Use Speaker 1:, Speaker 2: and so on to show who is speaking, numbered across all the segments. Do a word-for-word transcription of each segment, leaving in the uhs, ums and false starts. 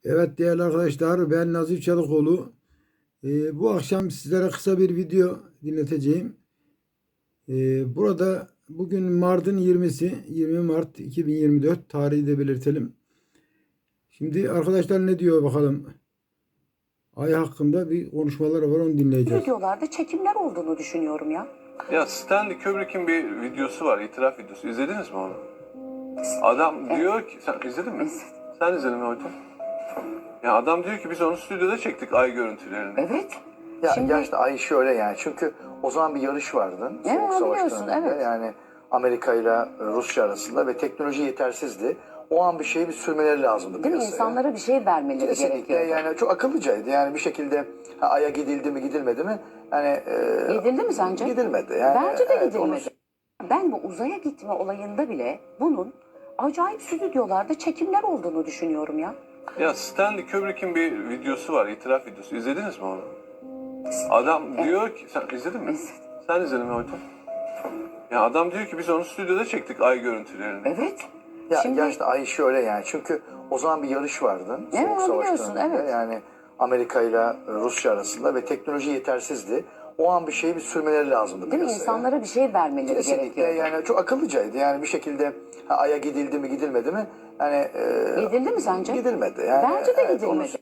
Speaker 1: Evet değerli arkadaşlar, ben Nazif Çalıkoğlu. Ee, bu akşam sizlere kısa bir video dinleteceğim. Ee, burada bugün Mart'ın yirmisi, yirmi Mart iki bin yirmi dört tarihi de belirtelim. Şimdi arkadaşlar ne diyor bakalım. Ay hakkında bir konuşmalar var, onu dinleyeceğiz.
Speaker 2: Videolarda çekimler olduğunu düşünüyorum ya.
Speaker 3: Ya Stanley Kubrick'in bir videosu var, itiraf videosu. İzlediniz mi onu? Adam
Speaker 2: Evet.
Speaker 3: diyor ki, sen izledin mi?
Speaker 2: İzledim.
Speaker 3: Sen izledin mi hocam? Ya adam diyor ki biz onu stüdyoda çektik ay görüntülerini.
Speaker 2: Evet.
Speaker 4: Ya
Speaker 2: Şimdi
Speaker 4: gerçekten ay şöyle yani çünkü o zaman bir yarış vardı.
Speaker 2: Evet,
Speaker 4: Soğuk Savaş
Speaker 2: biliyorsun,
Speaker 4: döneminde.
Speaker 2: evet.
Speaker 4: Yani Amerika ile Rusya arasında ve teknoloji yetersizdi. O an bir şeyi bir sürmeleri lazımdı
Speaker 2: değil mi?
Speaker 4: piyasaya.
Speaker 2: İnsanlara bir şey vermeleri
Speaker 4: Kesinlikle
Speaker 2: gerekiyor.
Speaker 4: yani çok akıllıcaydı. Yani bir şekilde ha, Ay'a gidildi mi gidilmedi mi? Yani e,
Speaker 2: Gidildi mi sence?
Speaker 4: gidilmedi. Yani,
Speaker 2: Bence de
Speaker 4: evet,
Speaker 2: gidilmedi.
Speaker 4: onu-
Speaker 2: Ben bu uzaya gitme olayında bile bunun acayip stüdyolarda çekimler olduğunu düşünüyorum ya.
Speaker 3: Ya Stanley Kubrick'in bir videosu var, itiraf videosu. İzlediniz mi onu? Adam diyor ki, sen izledin mi?
Speaker 2: İzledim.
Speaker 3: Sen izledin mi hocam? Ya adam diyor ki biz onu stüdyoda çektik ay görüntülerini.
Speaker 2: Evet.
Speaker 4: Ya
Speaker 2: Şimdi
Speaker 4: gerçekten ay şöyle yani çünkü o zaman bir yarış vardı.
Speaker 2: Evet,
Speaker 4: Soğuk Savaş
Speaker 2: biliyorsun,
Speaker 4: döneminde.
Speaker 2: evet.
Speaker 4: Yani Amerika ile Rusya arasında ve teknoloji yetersizdi. O an bir şeyi bir sürmeleri lazımdı
Speaker 2: değil mi?
Speaker 4: piyasaya.
Speaker 2: İnsanlara bir şey vermeleri
Speaker 4: Kesinlikle
Speaker 2: gerekiyor.
Speaker 4: yani çok akıllıcaydı. Yani bir şekilde ha, Ay'a gidildi mi gidilmedi mi? Yani e,
Speaker 2: Gidildi mi sence?
Speaker 4: gidilmedi. Yani,
Speaker 2: Bence de
Speaker 4: evet, onu-
Speaker 2: gidilmedi.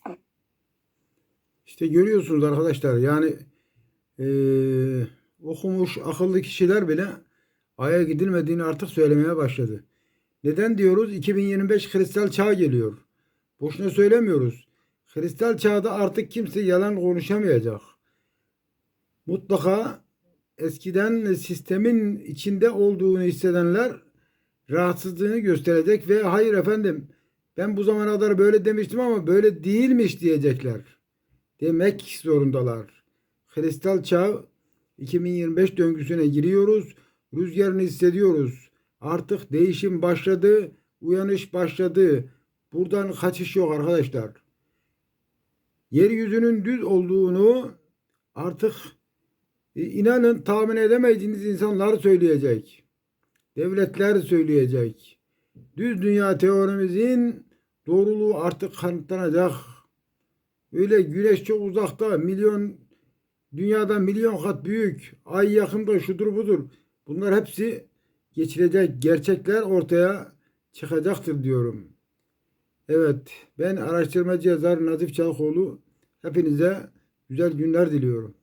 Speaker 1: İşte görüyorsunuz arkadaşlar, yani eee, okumuş akıllı kişiler bile Ay'a gidilmediğini artık söylemeye başladı. Neden diyoruz? iki bin yirmi beş kristal çağ geliyor. Boşuna söylemiyoruz. Kristal çağda artık kimse yalan konuşamayacak. Mutlaka eskiden sistemin içinde olduğunu hissedenler rahatsızlığını gösterecek ve hayır efendim ben bu zamana kadar böyle demiştim ama böyle değilmiş diyecekler. Demek zorundalar. Kristal çağ iki bin yirmi beş döngüsüne giriyoruz. Rüzgarını hissediyoruz. Artık değişim başladı. Uyanış başladı. Buradan kaçış yok arkadaşlar. Yeryüzünün düz olduğunu artık e, inanın tahmin edemeyeceğiniz insanlar söyleyecek. Devletler söyleyecek. Düz dünya teorimizin doğruluğu artık kanıtlanacak. Öyle güneş çok uzakta, milyon dünyada milyon kat büyük, ay yakında şudur budur. Bunlar hepsi geçilecek, gerçekler ortaya çıkacaktır diyorum. Evet, ben araştırmacı yazar Nazif Çalıkoğlu. Hepinize güzel günler diliyorum.